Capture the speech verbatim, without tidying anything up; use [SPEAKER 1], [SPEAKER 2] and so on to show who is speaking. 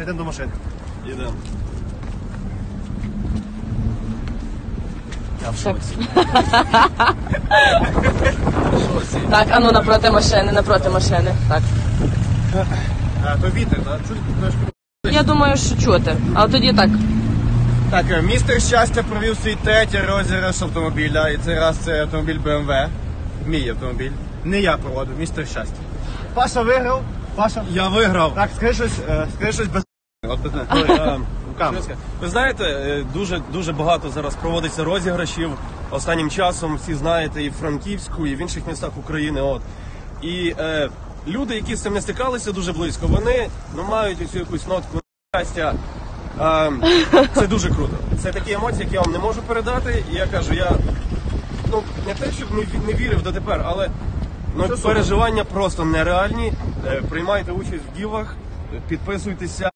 [SPEAKER 1] що йдемо до машини.
[SPEAKER 2] Йдемо.
[SPEAKER 1] Я в шоці.
[SPEAKER 3] Так, а ну напроти машини, напроти машини. Так.
[SPEAKER 1] А, то вітер, так? Чути трошки.
[SPEAKER 3] Я думаю, що чути. Але тоді так.
[SPEAKER 2] Так, містер Щастя провів свій третій розіграш автомобіля, і цей раз це автомобіль бе ем ве. Мій автомобіль. Не я проводив, містер Щастя.
[SPEAKER 1] Паша виграв. Паша.
[SPEAKER 2] Я виграв.
[SPEAKER 1] Так, скажи щось, е, скажи щось без...
[SPEAKER 2] От,
[SPEAKER 1] Ой,
[SPEAKER 2] е,
[SPEAKER 1] руками.
[SPEAKER 2] Ви знаєте, е, дуже, дуже багато зараз проводиться розіграшів останнім часом, всі знаєте, і в Франківську, і в інших містах України. От. І е, люди, які з цим не стикалися дуже близько, вони ну, мають цю якусь нотку щастя. Е, це дуже круто. Це такі емоції, які я вам не можу передати. І я кажу, я ну, не те, щоб не, не вірив дотепер, але ну, переживання просто нереальні. Е, приймайте участь в гівах, підписуйтеся.